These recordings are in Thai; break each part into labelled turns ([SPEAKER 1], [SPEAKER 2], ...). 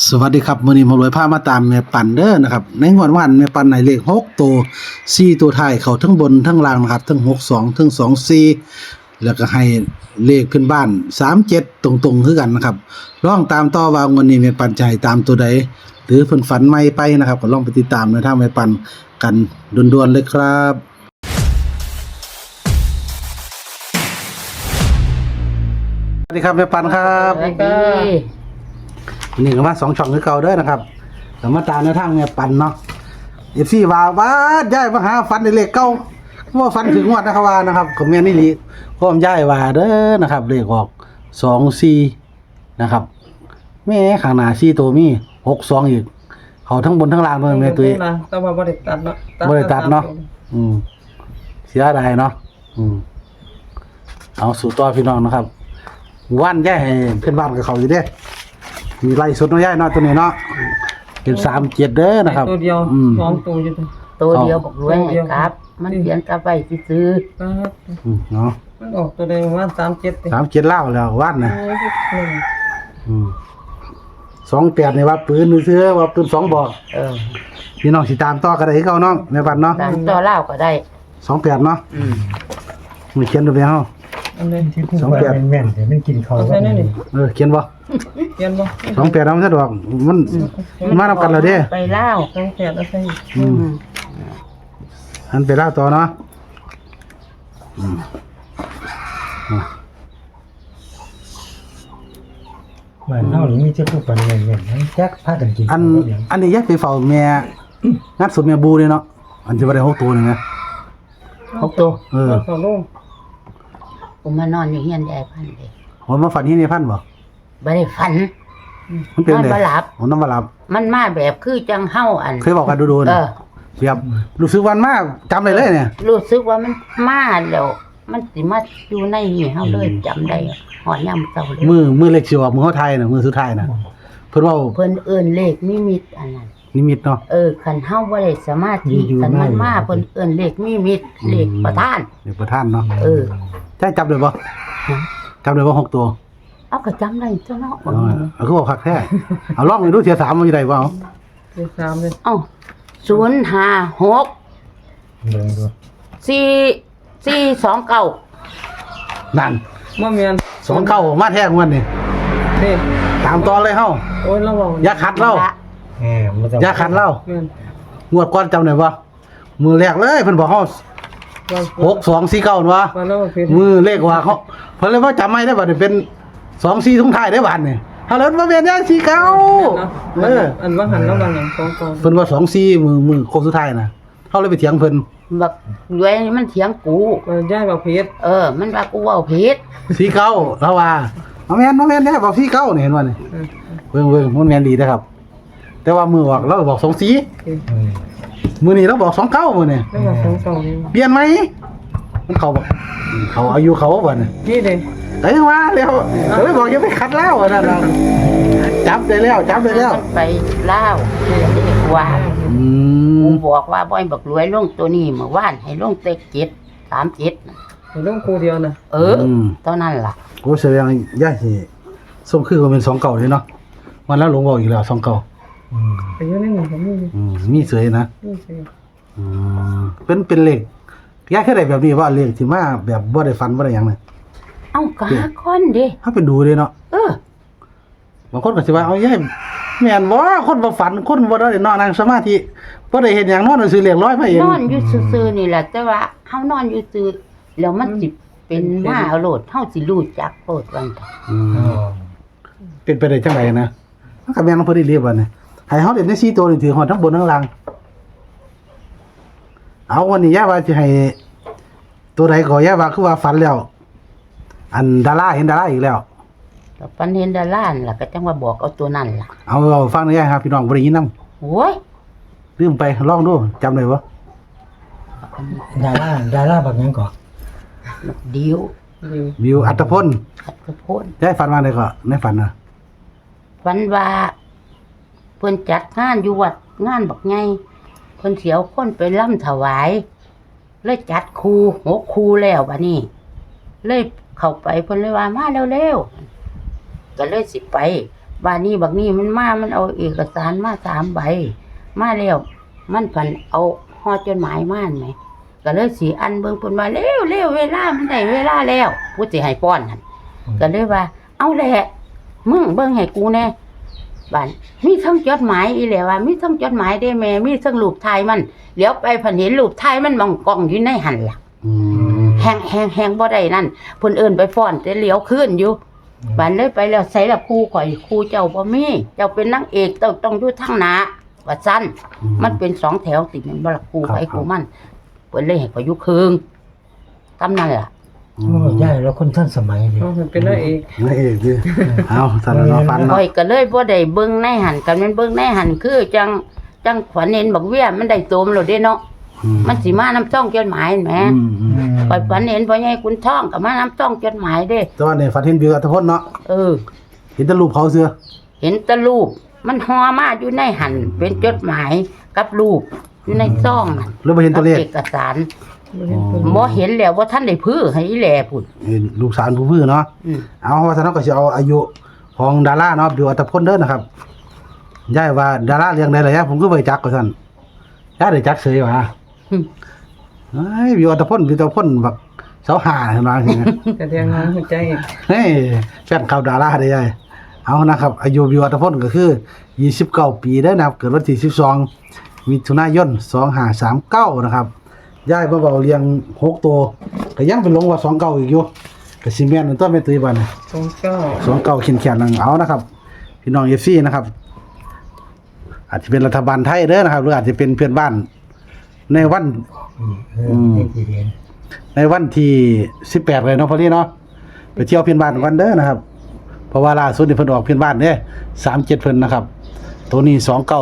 [SPEAKER 1] สวัสดีครับมื้อนี้หมารวยพามาตามแม่ปันเด้อนะครับในงวดวันแม่ปันให้เลข6ตัว4ตัวท้ายเข้าทั้งบนทั้งล่างนะครับทั้ง62ทั้ง24แล้วก็ให้เลขขึ้นบ้าน37ตรงๆคือกันนะครับลองตามต่อว่างวดนี้แม่ปันจะให้ตามตัวใดหรือเพิ่นฝันใหม่ไปนะครับก็ลองไปติดตามในทางแม่ปันกันด่วนๆเลยครับสวัสดีครับแม่ปันครับ
[SPEAKER 2] สวัสดี
[SPEAKER 1] นี่ก็มา2ช่องคือเก่าเด้อนะครับแต่มาตามในทางแม่ปันเนาะ FC ว่าย้ายมาหาฟันในเลขเก่าว่าฟันถึงงวดนะครับว่านะครับก็แม่นอี่ลีพร้อมย้ายว่าเด้อนะครับเลขออก24นะครับแม่ข้างหน้า4ตัวมี62อีกเขาทั้งบนทั้งล่างด้วยแม่ตุ้ย
[SPEAKER 2] แต่ว่าบ่ได้ตัดเนาะ
[SPEAKER 1] บ่ได้ตัดเนาะเสียดายเนาะเอาสู่ต่อพี่น้องนะครับว่านย้ายให้เพื่อนบ้านกับเขาอยู่เด้มีไล่สุดน้อยย้ายเนาะตัวนี้เนาะเป็น37เด้อนะครับ
[SPEAKER 2] ตัวเดียว2ตัวอยู่ตัว
[SPEAKER 3] ตัวเดียวบอกรวยให้ครับ มันเขียนกลับไปซื้อ
[SPEAKER 2] ปั๊บ
[SPEAKER 1] เนาะ
[SPEAKER 2] มันออกตัวเดียวว่า37ติ
[SPEAKER 1] 37เล่าแล้วว่านนะ 28นี่ว่าปืนซื้อว่าปืน2บอก พี่น้องสิตามต่อก็ได้คือเก่าเนาะแม่ปันเนาะ
[SPEAKER 3] ตามต่อเล่าก็ได้
[SPEAKER 1] 28เนาะมีเขียนตัวเดียว
[SPEAKER 2] อันนี้
[SPEAKER 4] ที่พูดว่าแม่นๆแต่มันกินเขา
[SPEAKER 2] เอาใส่นี่
[SPEAKER 1] เขียนบ่
[SPEAKER 2] เขียนบ่
[SPEAKER 1] 28เอามันสะดวกมันมานำกันแล้วเด้
[SPEAKER 3] ไปเล่า
[SPEAKER 2] 2แปดเอาใส่
[SPEAKER 1] อันไปเล่าต่อเนาะ
[SPEAKER 4] บ้านเฮานี่มีเจ้าผู้ปันแม่นๆทั้งแจ็คพากันกิน
[SPEAKER 1] อันนี้แยกไปเฝ้าแม่งัดสุดแม่บูเลยเนาะอันที่ว่าได้6ตัวนี่นะ
[SPEAKER 3] 6ตัว
[SPEAKER 2] เขาลง
[SPEAKER 3] ผมมานอนอยู่เฮียนยายพันเลย
[SPEAKER 1] ผมมาฝันที่นี่พันบ่
[SPEAKER 3] บ่ได้ฝัน
[SPEAKER 1] มันเป็น
[SPEAKER 3] นอน
[SPEAKER 1] ได
[SPEAKER 3] บ่หลับ
[SPEAKER 1] ผมนอนบ่หลับ
[SPEAKER 3] มันมาแบบคือจังเฮาอัน
[SPEAKER 1] เคยบอกกันดูๆ
[SPEAKER 3] เอ
[SPEAKER 1] นะ
[SPEAKER 3] อ
[SPEAKER 1] เรียบรู้สึกวันมากจำได้เลยเนี่ย
[SPEAKER 3] รู้สึกว่ามันมาแล้วมันสิมาอยู่ในนี่เฮาเลยจำได้หอยามเช้าเลย
[SPEAKER 1] มือเล็กสิออกมือเฮาไทยน่ะมือสุดท้ายน่ะเพิ่นเว้า
[SPEAKER 3] เพิ่นเอิ้นเลขนิมิตอันนั้น
[SPEAKER 1] นิมิตเนาะ
[SPEAKER 3] คันเฮาบ่ได้สมาธิคันมันมาเพิ่นเอิ้นเลขนิมิตเลขประธาน
[SPEAKER 1] เดี๋ยวประธานเนาะ ใช่จำได้บ่
[SPEAKER 3] ฮะ
[SPEAKER 1] จำได้บ่6ตัว
[SPEAKER 3] เอาก็จำได้เจ้าเนาะ
[SPEAKER 1] เอาคือบอกคักแท้เอาลองไปดูเสีย3มันสิได้บ่เอา
[SPEAKER 2] เลข3เลย
[SPEAKER 3] เอ้า056
[SPEAKER 4] เบิ่งดู
[SPEAKER 3] 429
[SPEAKER 1] นั่น
[SPEAKER 2] บ่แม่น
[SPEAKER 1] 29มาแท้งวดนี่
[SPEAKER 2] นี่
[SPEAKER 1] ตามต่อเลยเฮา
[SPEAKER 2] โอ้ยเราเว้า
[SPEAKER 1] อย่าขัดเรา
[SPEAKER 4] มันจะ
[SPEAKER 1] อย่าขัดเรา
[SPEAKER 2] แม่น
[SPEAKER 1] งวดก่อนจำได้บ่มือแรกเลยเพิ่นบอกเฮา6249วะ
[SPEAKER 2] ว่าเราผิด
[SPEAKER 1] มือเลขว่าเขาเพิ่นเลยว่าจำไม่ได้บัดนี้เป็น24ทุงท้ายได้บัดนี่เฮาเลยบ่แม่นอย่าง49
[SPEAKER 2] อันว่าหันแล้วว่าหยัง2ตัว
[SPEAKER 1] เพิ่นว่า24มือโค้งสุดท้ายน่ะเฮาเลยไปเถียงเพิ่น
[SPEAKER 3] บักรวยนี่มันเถียงกู
[SPEAKER 2] ย้ายบ่ผิด
[SPEAKER 3] มันว่ากูเว้าผิด
[SPEAKER 1] 49แล้วว่าบ่แม่นแท้บอก49นี่เห็นบ่นี่เบิ่งมันแม่นดีเด้อครับ แต่ว่ามือออกเราบอก24มื้อนี้เราบอก29มื้อนี้
[SPEAKER 2] แล้วว่า2ตัวนี่
[SPEAKER 1] เปลี่ยนไหมมันเขาบอกเขาอายุเขาบ่นี่
[SPEAKER 2] นี่เด้
[SPEAKER 1] แต่ยังว่าแล้วก็เลยบอกอย่าไปขัดแล้วนั่นน่ะจับได้แล้ว
[SPEAKER 3] มันไปเล่าวเรียกว่ากูบอกว่าบ่ให้บักรวยลงตัวนี้เมื่อวานให้ลงเต็ก737น่ะ
[SPEAKER 2] ให้ลงคู่เดียวน่ะ
[SPEAKER 3] เท่านั้นล่ะ
[SPEAKER 1] โอ้แสดงย่าสิส่งคือมันเป็น2เก่าเลยเนาะวันแล้วหลวงบอกอีกแล้ว2เก่า
[SPEAKER 2] ไปอยู่ในนี่ก็มี
[SPEAKER 1] มีเสยนะ
[SPEAKER 2] นี่สิ
[SPEAKER 1] เป็นเลขย่าเคยได้แบบนี้ว่าเลขที่มาแบบบ่ได้ฟันบ่ได้หยังน่ะ
[SPEAKER 3] เอ้ากะคนเด้
[SPEAKER 1] ถ้าไปดูเลยเนาะบางคนก็สิว่าเอาย่าแม่นบ่คนบ่ฝันคนบ่ได้นอนนั่งสมาธิบ่ได้เฮ็ดหยังนอนซื่อเลขร้อยมาเอง
[SPEAKER 3] นอนอยู่ซื่อๆนี่แหละแต่ว่าเฮานอนอยู่ซื่อแล้วมันสิเป็นมาเอาโลดเฮาสิรู้จักโลดว่าซั่น
[SPEAKER 1] เป็นไปได้จังไดนะมันก็แม่นบ่ได้เรียบว่านี่ให้เฮาเล่นได้4ตัวนี่ถือฮอดทั้งบนทั้งล่างเอาวันนี้ย่าว่าสิให้ตัวใดก็ย่าว่าคือว่าฝันแล้ว อันดาราเห็นดาราอีกแล้ว
[SPEAKER 3] ก็ปันเห็นดารานั่นล่ะก็จังว่าบอกเอาตัวนั้นล่ะ
[SPEAKER 1] เอาฟังหน่อยครับพี่น้องบ่ได้ยินนำ
[SPEAKER 3] โอ้ย
[SPEAKER 1] ลืมไปลองดูจำได้บ่
[SPEAKER 4] ดาราบักหยังก่อ
[SPEAKER 3] เดียว
[SPEAKER 1] วิวอัตพล
[SPEAKER 3] ขัดกระโพน
[SPEAKER 1] ได้ฝันว่าไดก็ในฝันน่ะ
[SPEAKER 3] วันว่าเพิ่นจัดงานอยู่วัดงานบักไงเพิ่นเสียวคนไปล่ำถวายเลยจัดครู6ครูแล้วบัดนี้เลยเข้าไปเพิ่นเลยว่ามาเร็วๆก็เลยสิไปบ้านนี้บักนี้มันมามันเอาเอกสารมา3 ใบมาแล้วมันผันเอาห่อจดหมายมาไหมก็เลยสิอันเบิ่งเพิ่นว่าเร็วเวลามันได้เวลาแล้วกูสิให้ป้อนนั่นก็เลยว่า เอาแหละมึงเบิ่งให้กูแน่บ้านมีทั้งจดหมายอีแหละว่ามีทั้งจดหมายได้แม่มีทั้งรูปถ่ายมันเดี๋ยวไปผันเห็นรูปถ่ายมันมองกล้องอยู่ในหันล่ะ
[SPEAKER 1] อืม
[SPEAKER 3] แฮงบ่ได้นั่นเพิ่นเอิ้นไปฟ้อนแต่เหลียวขึ้นอยู่บ้านเลยไปแล้วใส่ละครูข่อยครูเจ้าบ่มีเจ้าเป็นนางเอกต้องอยู่ทางหน้าว่าซั่นมันเป็น2 แถวติดแม่นบ่ล่ะครูไปครูมันเพิ่นเลยให้ข่อยอยู่ครึ่งตำนั่นล่ะ
[SPEAKER 4] โอ้ยายแล้วคนท่านสมัยนี่
[SPEAKER 2] เอาเป็นนางเอก
[SPEAKER 1] นายเอกดิเอาสารนอฟัน
[SPEAKER 3] ข่
[SPEAKER 1] เนาะ
[SPEAKER 3] อยก็เลยบ่ได้เบิ่งในหันกันแม่นเบิ่งในหันคือจังขวัญเห็นบักเวียมันได้โตมแล้วเด้เนาะมันสิมาน้ำจ้องจดหมายแหม ข่อยฝันเห็นพ่อใหญ่คุณท่องกับมาน้ำต้องจดหมายเด้
[SPEAKER 1] ตอนนี้ฝันเห็นวิวอัตพลเนาะ
[SPEAKER 3] เออ
[SPEAKER 1] เห็นแต่รูปเขาเสือ
[SPEAKER 3] เห็นแตะรูปมันห่อมาอยู่ในหันเป็นจดหมายกับรูปอยู่ในซองนั่น
[SPEAKER 1] แล้วบ่เห็นตัวเลข
[SPEAKER 3] เอกสาร
[SPEAKER 2] บ่เห็นเพิ่น
[SPEAKER 3] บ่เห็นแล้วว่าท่านได้พื้อให้อีแหล่พุ่น
[SPEAKER 1] เห็นลูกสาวผู้พื้นเนาะ
[SPEAKER 3] อืม
[SPEAKER 1] เอาว่าซั่นเนาะก็สิเอาอายุของดาราเนาะวิวอัตพลเด้อนะครับยายว่าดาราเรื่องใดล่ะยายผมก็บ่รู้จักว่าซั่นยายได้จักเสยว่า
[SPEAKER 3] อืม
[SPEAKER 1] เฮ้ยวิวอัตพลบักเสาหาเห็นว่าจังไง
[SPEAKER 2] แต่เรียงงานหัวใจอีก
[SPEAKER 1] เฮ้ยแฟนข่าวดาราได้ยายเอานะครับอายุวิวอัตพลก็คือ29 ปีเด้อนะครับเกิดวันที่12มิถุนายน2539นะครับยายมาเว้าเรียง6ตัวก็ยังเป็นลงว่า29อีกอยู่ก็สิแม่นตัวแม่ตุ้ยบัดนี้
[SPEAKER 2] 29
[SPEAKER 1] 29แขนๆนั่งเอานะครับ พี่น้อง FC นะครับ อาจจะเป็นรัฐบาลไทยเด้อนะครับหรืออาจจะเป็นเพื่อนบ้านในวัน
[SPEAKER 4] นี่ที่เห็น
[SPEAKER 1] ในวันที่18เลยเนาะพอดีเนาะไปเที่ยวเพื่อนบ้านกันเด้อนะครับ เพราะว่าล่าสุดนี่เพิ่นออกเพื่อนบ้านเด้37เพิ่นนะครับ ตัวนี้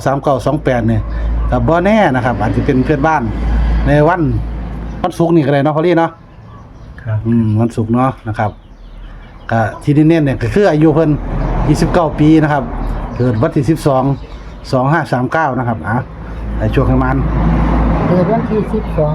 [SPEAKER 1] 293928เนี่ยก็บ่แน่นะครับ อาจจะเป็นเพื่อนบ้านในวันศุกร์นี่ก็ได้เนาะพอดีเนาะ
[SPEAKER 4] ครับ
[SPEAKER 1] วันศุกร์เนาะนะครับก็ที่เน้นๆเนี่ยก็คืออายุเพิ่น29 ปีนะครับ เกิดวันที่12 2539นะครับในช่วงประมาณ
[SPEAKER 3] เกิดวันที่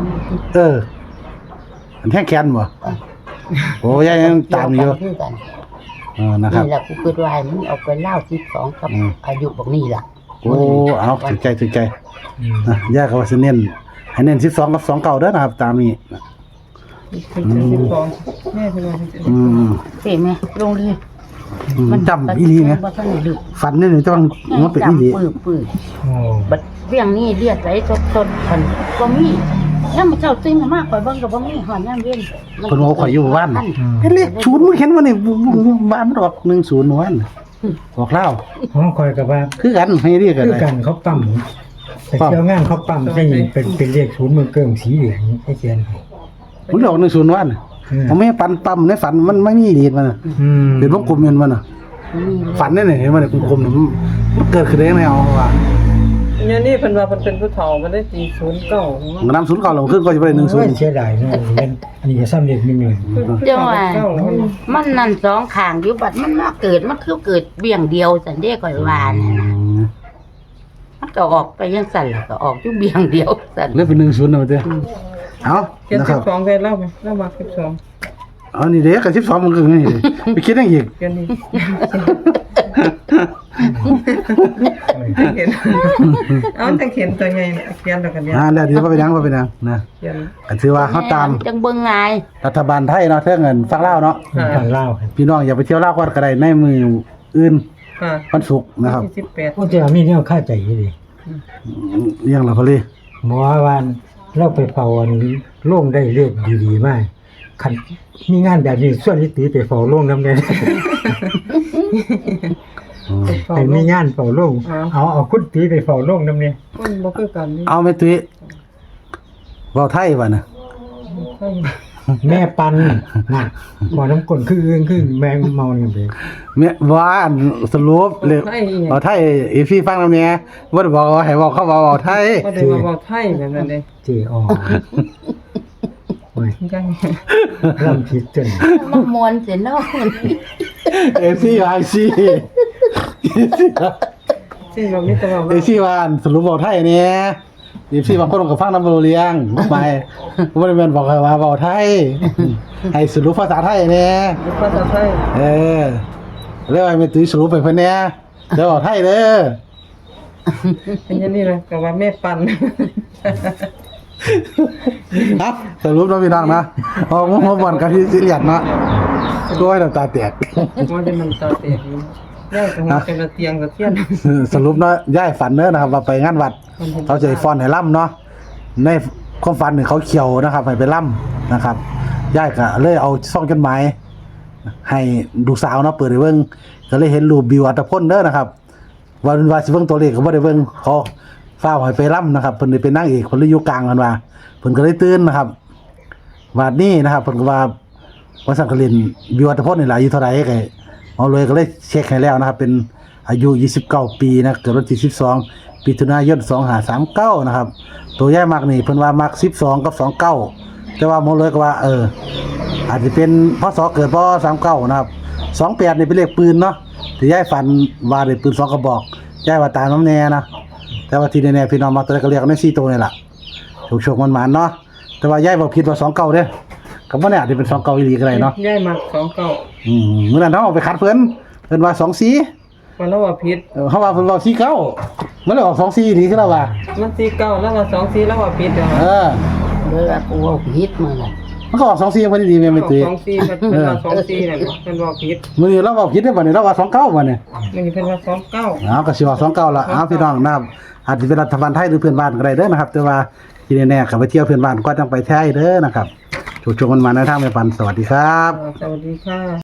[SPEAKER 3] 12
[SPEAKER 1] อันแท่งแขนบ่โอ้ยยังตามอยู่
[SPEAKER 3] คือกัน
[SPEAKER 1] นะครับ
[SPEAKER 3] นี่ล่ะกูคิดว่าให้มันเอาไปเล่า12กับอายุบักนี้ล่ะ
[SPEAKER 1] โอ้เอาถึงใจ
[SPEAKER 4] อืม
[SPEAKER 1] นะย่าก็ว่าสิเน้นให้เน้น12กับ29เด้อนะครับ ตามนี้
[SPEAKER 2] เป็น12แม่เป็นว่าสิ
[SPEAKER 3] เห็นไหมลงเลย
[SPEAKER 1] จำอีหลีไง
[SPEAKER 3] บ่ทันได้ลึก
[SPEAKER 1] ฝันนี่จะต้องมันเป็นอีหลี
[SPEAKER 3] ปื้อ
[SPEAKER 4] โอ้
[SPEAKER 3] บัดเรื่องนี้เลียดไหลสดๆคันบ่มียามมื้อเช้าตื่นมาข่อยเบิ่งก็บ่มีหอนยามเย็น
[SPEAKER 1] คนว่าข่อยอยู่บ้านเป็นเลข0มึงเห็นบ่นี่บ้านมันออก10วันออกเล่า
[SPEAKER 4] ห้องคอยกับว่า
[SPEAKER 1] คือกันให้เรียกกัน
[SPEAKER 4] คือ
[SPEAKER 1] ได้
[SPEAKER 4] กันเขาปั๊มไปเที่ยวงานเขาปั๊มใช่เป็นเลขศูนย์เมืองเกิงสีเหลืองให้เขียนให้
[SPEAKER 1] มันออก10วันผมไม่ปันปั๊มในฝันมันไม่มีดีดมัน
[SPEAKER 4] อืม
[SPEAKER 1] เป็นวงกลมเงินมันฝันนี่เห็นมันกลมๆนี่มันเกิดขึ้นได้ยังไงเอาว่า
[SPEAKER 2] เนี่ยนี่เพิ่นว่าเพิ่นเป็นผู้เฒ่ามันได้ตี09
[SPEAKER 1] มันนำศูนย์เก่าลงขึ้นก็จะไปได้
[SPEAKER 4] โอ้ย
[SPEAKER 1] 10
[SPEAKER 4] เสียดายเนาะอันนี้จะซ้ำเลข1
[SPEAKER 3] เจ้าว่ามันนั่นสองข้างอยู่บัดมันมาเกิดมันคือเกิดเบี่ยงเดียวซั่นเด้ข่อยว่าน่ะนะมันก็ออกไปจังซั่นล่ะก็ออกอยู่เบี่ยงเดียวซั่น
[SPEAKER 1] เลือกเป็น10นะเด้อเอา
[SPEAKER 2] เขียน
[SPEAKER 1] นะครับ
[SPEAKER 2] 12ได้เล่าไหมเล่ามา12
[SPEAKER 1] เอานี่เด้กับ12มันก็นี่ไปคิดยังอีก
[SPEAKER 2] เขียนนี่
[SPEAKER 4] 1
[SPEAKER 2] เขียนเอาแต่เขียนตัวใหญ่เขียนแล้วกันเนี่ย
[SPEAKER 1] แล้วเดี๋ยวไปยังนะ
[SPEAKER 2] เขียน
[SPEAKER 1] ก็ถือว่าเฮาตาม
[SPEAKER 3] จังเบิ่งง่าย
[SPEAKER 1] รัฐบาลไทยเนาะเท่าเงินฟังเล่าวเนาะ
[SPEAKER 4] ผ่านเล่าครับ
[SPEAKER 1] พี่น้องอย่าไปเที่ยวลาวก่อนก็ได้ในมืออื่น
[SPEAKER 2] ค่ะ
[SPEAKER 1] วันศุกร์นะครับ
[SPEAKER 2] ที่18
[SPEAKER 4] โอ้เจ้ามีแนวค่าใจอยู่ดิ
[SPEAKER 1] เรื่องละพอลี
[SPEAKER 4] หมอว่าเราไปเฝ้าอันโล่งได้เลขดีๆมากคันมีงานแบบนี้ส่วนนิติไปเฝ้าโล่งนำได้ ให้มีงานเฝ้าโล่งเอาคุณตีไปเฝ้าโล่งนำเนี่ย
[SPEAKER 2] มันบ่คือกันนี่
[SPEAKER 1] เอาแม่ตุ้ยเว้าไทยว่าน่ะ
[SPEAKER 2] ใช่
[SPEAKER 4] แม่ปันน่ะบ่น้ำกลคืออึ้งคือแมงเมานี่เด้
[SPEAKER 1] แม่ว่าอันสรุปเลย
[SPEAKER 2] ไทยอีหยัง
[SPEAKER 1] เว้าไทยอีพี่ฟังนำเนี่ยบ่ได้บอกว่าให้เว้าเขาเว้าไทย
[SPEAKER 2] บ่ได้ว่าเว้าไทยแบบนั้นเด้
[SPEAKER 4] เจออโอ้ย
[SPEAKER 2] จัง
[SPEAKER 4] ลำผิดจน
[SPEAKER 3] มามวนสิเนาะ
[SPEAKER 1] เอซี่ไอซี
[SPEAKER 2] ซึ่งเรามีแต่ว่า
[SPEAKER 1] เอซี่ว่าอันสรุปเว้าไทยเนี่ยอีซี่บางคนก็ฟังนำบ่รู้เรื่องไปบ่ได้แม่นบอกให้ว่าเว้าไทยให้สรุปภาษาไทยเนี่ย
[SPEAKER 2] ภาษาไทย
[SPEAKER 1] เออเรียกว่าแม่ตุ้ยสรุปไปเพิ่นแหน่เดี๋ยวบอกไทยเด้อ
[SPEAKER 2] เป็นอย่างนี้เลยก็ว่าแม่ปัน
[SPEAKER 1] ครับสรุปแล้วพี่น้องนะเอามาบ่อนกันที่สิเลียดเนาะก็ให้น้ำตาแตก
[SPEAKER 2] ว่าจะมันตาเตะอยู่ย่างจังจังกระเตียงกระเทียน
[SPEAKER 1] สรุปเนาะย้ายฝันเด้อนะครับว่าไปงานวัดเขาจะให้ฟ้อนให้ล่ำเนาะในความฝันนี่เขาเขียวนะครับให้ไปล่ำนะครับย้ายก็เลยเอาซ่องจดหมายให้ลูกสาวเนาะเปิดให้เบิ่งก็เลยเห็นรูปบิวอัตพลเด้อนะครับว่าสิเบิ่งตัวเลขก็บ่ได้เบิ่งเขาฟ้าวให้ไปล่ำนะครับเพิ่นได้เป็นนางเอกคนเลยอยู่กลางกันว่าเพิ่นก็เลยตื่นนะครับว่านี้นะครับเพิ่นก็ว่าสังกลินบิวอัตพลนี่ล่ะอายุเท่าไหร่ก็เอาเลยก็เลยเช็คให้แล้วนะครับเป็นอายุ29ปีนะเกิดวันที่12มิถุนายน2539นะครับตัวย้ายมักนี่เพิ่นว่ามัก12กับ29แต่ว่าหมอเลยก็ว่าอาจจะเป็นพศเกิดพศ39นะครับ28นี่เป็นเลขปืนเนาะที่ย้ายฝันว่าได้ปืน2กระบอกย้ายว่าตามน้ำแน่นะแต่ว่าที่แน่ๆพี่น้องมาตัวก็เรียกใน4ตัวนี่ล่ะโชคๆมันๆเนาะแต่ว่าย้ายบ่ผิดว่า29เด้อก็บ่แน่อาจจะเป็น29อีหลีก็ได้เนาะ
[SPEAKER 2] ย่ายมัก29
[SPEAKER 1] มื้อนั้นเฮาเอาไปคัดเพิ่นว่า24
[SPEAKER 2] มันแล้วว่าผิด
[SPEAKER 1] เฮาว่าเพิ่นว่า49มันเลยออก24อีหลีคือแล้วว่า
[SPEAKER 2] มัน49แล้วว่า24แล้วว่าผิดเด้อ
[SPEAKER 3] เด้อกูเอาผิดมื้อนั้น
[SPEAKER 1] มันก็ออก24พอดีแม่นตุ้ย
[SPEAKER 2] 24มันว่า24นั่นมันว่าผิด
[SPEAKER 1] มื้อนี้เราก็ผิดเด้อบัดนี้เราว่า29บัดนี้
[SPEAKER 2] มันเพิ่นว่า29
[SPEAKER 1] เอาก็สิว่า29ละเอาพี่น้องนะครับอาจจะเป็นรัฐบาลไทยหรือเพื่อนบ้านก็ได้เด้อนะครับแต่ว่าที่แน่ๆก็ไปเที่ยวเพื่อนบ้านก็ต้องไปไทยเด้อนะครับโชคๆมันมาในทางแม่ปันสวัสดีครับ
[SPEAKER 2] สวัสดีค่ะ